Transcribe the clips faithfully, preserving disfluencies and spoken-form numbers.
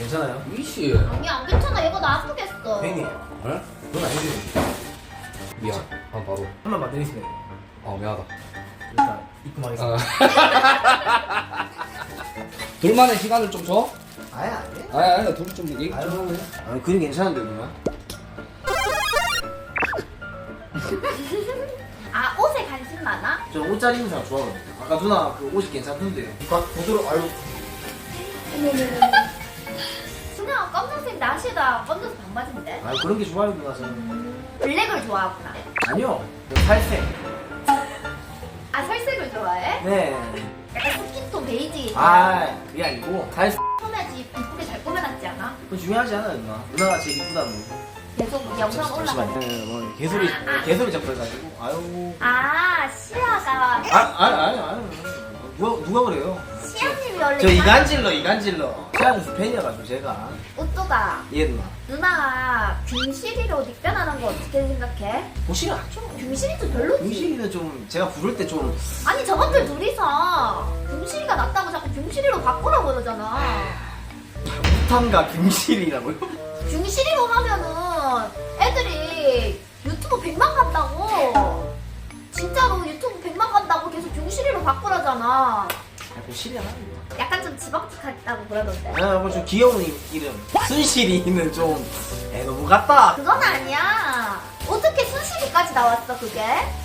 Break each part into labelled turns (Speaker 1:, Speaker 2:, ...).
Speaker 1: 괜찮아요?
Speaker 2: 이씨.
Speaker 3: 아니 안 괜찮아. 얘가 나 아프겠어.
Speaker 1: 팬이.
Speaker 2: 에?
Speaker 1: 넌 아니지.
Speaker 2: 미안. 아 바로.
Speaker 1: 한 번만 때리시면
Speaker 2: 어 미안하다.
Speaker 1: 일단 입금하겠습니다.
Speaker 2: 아. 둘만의 시간을 좀 줘?
Speaker 1: 아예 안 돼?
Speaker 2: 아니 아니 둘이 좀 얘기 좀
Speaker 1: 아유.
Speaker 2: 하고 해.
Speaker 1: 아니 그림 괜찮은데 누나?
Speaker 3: 아 옷에 관심 많아?
Speaker 1: 저 옷 잘 입는 사람 좋아하거든요. 아까 누나 그 옷이 괜찮던데. 누가 보도록 아유.
Speaker 3: 그냥 검정색 나시다. 검정색 반바지인데?
Speaker 1: 아유 그런 게 좋아요 누나 저는.
Speaker 3: 블랙을 좋아하구나.
Speaker 1: 아니요. 저 살색.
Speaker 3: 아 살색을 좋아해?
Speaker 1: 네.
Speaker 3: 약간 스킨톤 베이지.
Speaker 1: 아 그게 아니고 살색.
Speaker 3: 처음에 집 이쁘게 잘 꾸며놨지 않아?
Speaker 1: 그건 중요하지 않아요 누나. 누나가 제일 이쁘다는 거.
Speaker 3: 계속 영상 올라가는.
Speaker 1: 네, 뭐 개소리 개소리 잡고 해가지고 아유.
Speaker 3: 아 시아가
Speaker 1: 아 아니 아니 아니. 누가 누가 그래요?
Speaker 3: 시아님이 원래
Speaker 1: 저 이간질러 이간질러. 시아님 팬이어가지고 제가.
Speaker 3: 옷도가
Speaker 1: 예 누나.
Speaker 3: 누나가 균실이로 닉변하는 거 어떻게 생각해?
Speaker 1: 보시면 알죠.
Speaker 3: 균실이도 별로지.
Speaker 1: 균실이는 좀 제가 부를 때 좀
Speaker 3: 아니 저것들 둘이서 균실이가 낫다고 자꾸 균실이로 바꾸라고 그러잖아.
Speaker 1: 부탄과 균실이라고요?
Speaker 3: 균실이로 하면은 애들이 유튜브 백만 간다고. 진짜로 유튜브 백만 간다고 계속 균실이로 바꾸라잖아.
Speaker 1: 자꾸 실이 하나.
Speaker 3: 약간 좀 지방직하다고 그러던데.
Speaker 1: 아, 뭐좀 귀여운 이- 이름. 순실이는 좀 에, 너무 같다.
Speaker 3: 그건 아니야. 어떻게 순실이까지 나왔어 그게?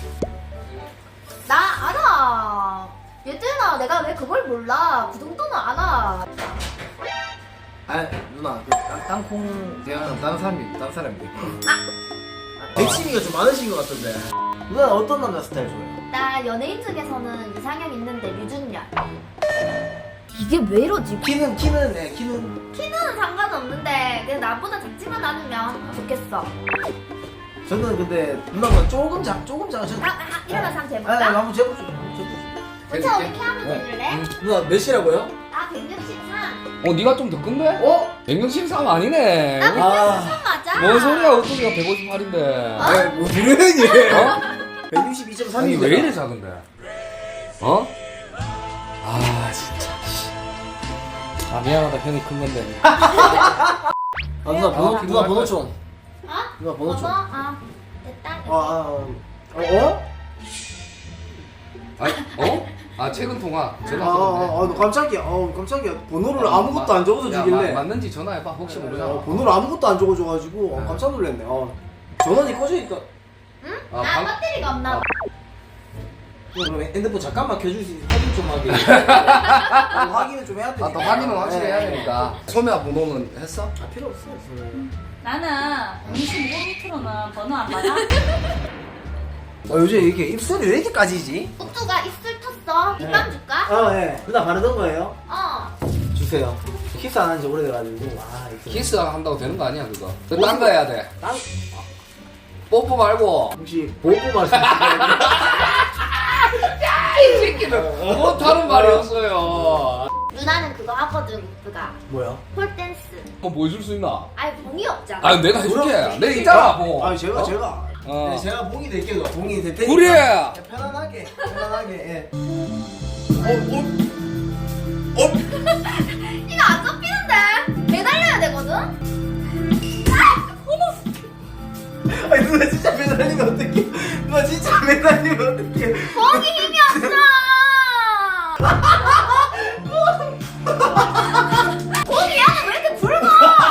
Speaker 3: 나 알아. 얘들아 내가 왜 그걸 몰라. 그 정도는 알아.
Speaker 1: 아 누나 그 땅, 땅콩 대화는 다른 사람이 다른 사람인데. 아, 백심이가 좀 많으신 것 같던데. 누나 어떤 남자 스타일 좋아해요?
Speaker 3: 나 연예인 중에서는 이상형 있는데 류준열. 이게 왜 이러지?
Speaker 1: 키는 키는 네 키는
Speaker 3: 키는 상관없는데 그냥 나보다 작지만 않으면 좋겠어.
Speaker 1: 저는 근데 누나가 조금 작 조금 작아.
Speaker 3: 아, 아, 일어나서 한번
Speaker 1: 아,
Speaker 3: 재볼까?
Speaker 1: 한번 재보죠. 한번 재보죠.
Speaker 3: 혼자 어디 키 한번 재줄래?
Speaker 1: 누나 몇이라고요?
Speaker 3: 나 백육십삼.
Speaker 2: 어 니가 좀 더 큰데?
Speaker 1: 어?
Speaker 2: 백육십삼 아니네.
Speaker 3: 나
Speaker 1: 아.
Speaker 3: 백육십삼 맞아.
Speaker 2: 뭔 소리야 어떻게가 백오십팔인데.
Speaker 1: 아, 뭐 그러니?
Speaker 2: 어?
Speaker 1: 백육십이 점
Speaker 2: 아니
Speaker 1: 삼인데.
Speaker 2: 왜 이래 작은데? 어? 아 진짜. 씨. 아 미안하다 형이 큰 건데.
Speaker 1: 아 누나 번호
Speaker 2: 어,
Speaker 1: 누나 번호
Speaker 2: 거야.
Speaker 1: 좀.
Speaker 3: 어?
Speaker 1: 누나 번호 좀. 아,
Speaker 3: 아, 됐다.
Speaker 1: 아, 어? 어?
Speaker 2: 아 어? 아 최근 통화
Speaker 1: 아,
Speaker 2: 전화
Speaker 1: 아,
Speaker 2: 왔는데.
Speaker 1: 아, 아, 깜짝이야. 어, 깜짝이야. 번호를 아무것도 안 적어서
Speaker 2: 야,
Speaker 1: 주길래.
Speaker 2: 마- 맞는지 전화해봐 혹시 모르잖아.
Speaker 1: 어, 번호를 아무것도 안 적어줘가지고 어, 깜짝 놀랐네. 어. 전원이 꺼지니까.
Speaker 3: 응?
Speaker 2: 아,
Speaker 3: 나
Speaker 2: 방-
Speaker 3: 배터리가 없나 봐.
Speaker 1: 그럼 핸드폰 잠깐만 켜줄 수 있어? 확인 좀 하게. 어, 확인은 좀 해야 되니까.
Speaker 2: 아, 또 확인은 확실히 해야 되니까. 소매야 번호는 했어?
Speaker 1: 아, 필요 없어.
Speaker 4: 나는 이십오 미터로는 번호 안 받아.
Speaker 1: 어, 요즘 이렇게 입술이 왜 이렇게 까지지?
Speaker 3: 옥두가 입술 텄어. 립밤 줄까?
Speaker 1: 아, 네. 누나 바르던 거예요?
Speaker 3: 어.
Speaker 1: 주세요. 키스 안 한 지 오래돼가지고. 아, 이렇게.
Speaker 2: 키스 한다고 되는 거 아니야 그거. 딴 거 해야 돼.
Speaker 1: 땅,
Speaker 2: 뽀뽀 말고.
Speaker 1: 혹시 보고 말씀하시는
Speaker 2: 이 새끼들 못하는 말이었어요.
Speaker 3: 누나는 그거 하거든, 옥두가.
Speaker 1: 뭐야?
Speaker 3: 폴댄스.
Speaker 2: 뭐 보여줄 수 있나?
Speaker 3: 아니, 봉이 없잖아.
Speaker 2: 아 내가 해줄게. 내가 있잖아 뭐.
Speaker 1: 아, 제가,
Speaker 2: 어?
Speaker 1: 제가.
Speaker 2: 어.
Speaker 1: 네, 제가 봉이 될게요. 봉이 될 테니까.
Speaker 2: 그래.
Speaker 1: 네, 편안하게, 편안하게, 예. 어, 어? 어?
Speaker 3: 이거 안 접히는데? 매달려야 되거든?
Speaker 1: 아니, 누나 진짜 매달리면 어떡해. 누나 진짜 매달리면 어떡해.
Speaker 3: 봉이 힘이 없어! 봉이 야는 왜 이렇게 붉어?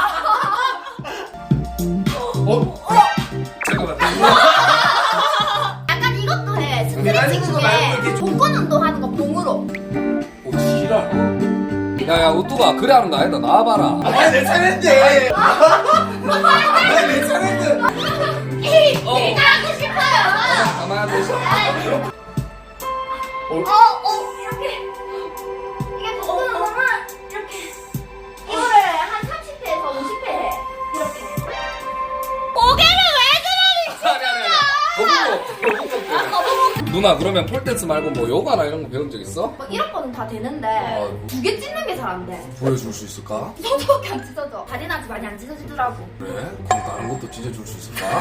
Speaker 2: 어? 잠깐만.
Speaker 3: 약간 이것도 해.
Speaker 1: 매달리는
Speaker 3: 스트레칭
Speaker 1: 거 말고 이렇게
Speaker 3: 중에
Speaker 1: 좀-
Speaker 3: 복근 운동하는 거 봉으로.
Speaker 2: 오 지랄. 야야 우뚜가 그래 하는 거 아니다. 나와봐라.
Speaker 1: 아, 내 차례인데. 아, 내 차례인데.
Speaker 3: 에이,
Speaker 2: 어.
Speaker 3: 내가 하고 싶어요!
Speaker 2: 가만히 앉아 있어.
Speaker 3: 어, 어, 이렇게. 이게 복근 운동은 이렇게. 이거를 한 삼십 회에서 오십 회 해. 이렇게. 고개를 왜
Speaker 2: 아니 아니 아니. 거북목. 거북목. 누나 그러면 폴댄스 말고 뭐 요가나 이런 거 배운 적 있어?
Speaker 3: 뭐 이런 거는 다 되는데
Speaker 2: 아이고.
Speaker 3: 두 개 찢는 게 잘 안 돼.
Speaker 2: 보여줄 수 있을까?
Speaker 3: 손톱밖에 안 찢어져. 다리나지 많이 안 찢어지더라고.
Speaker 2: 그래? 그럼 다른 것도 찢어줄 수 있을까?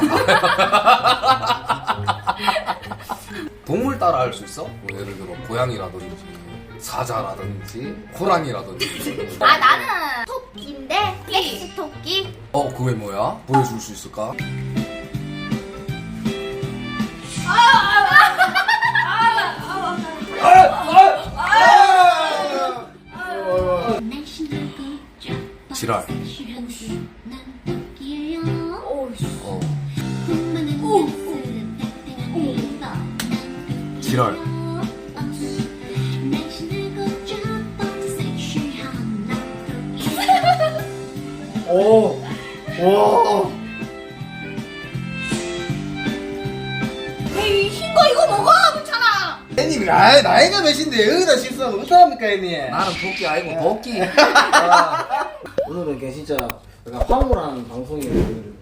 Speaker 2: 동물 따라 할 수 있어? 뭐 예를 들어 고양이라든지 사자라든지 호랑이라든지
Speaker 3: 아 나는 톱 토끼인데 섹시 토끼.
Speaker 2: 어 그게 뭐야? 보여줄 수 있을까? 지랄. 어. 지랄.
Speaker 1: 오. 오.
Speaker 3: 에이 흰거 이거 먹어 괜찮아.
Speaker 1: 애님 아 나이가 몇인데 여기다 실수하면 어떡합니까 애님?
Speaker 2: 나는 도끼 아니고 도끼.
Speaker 1: 아, 오늘은 그냥 진짜 약간 황홀한 방송이에요.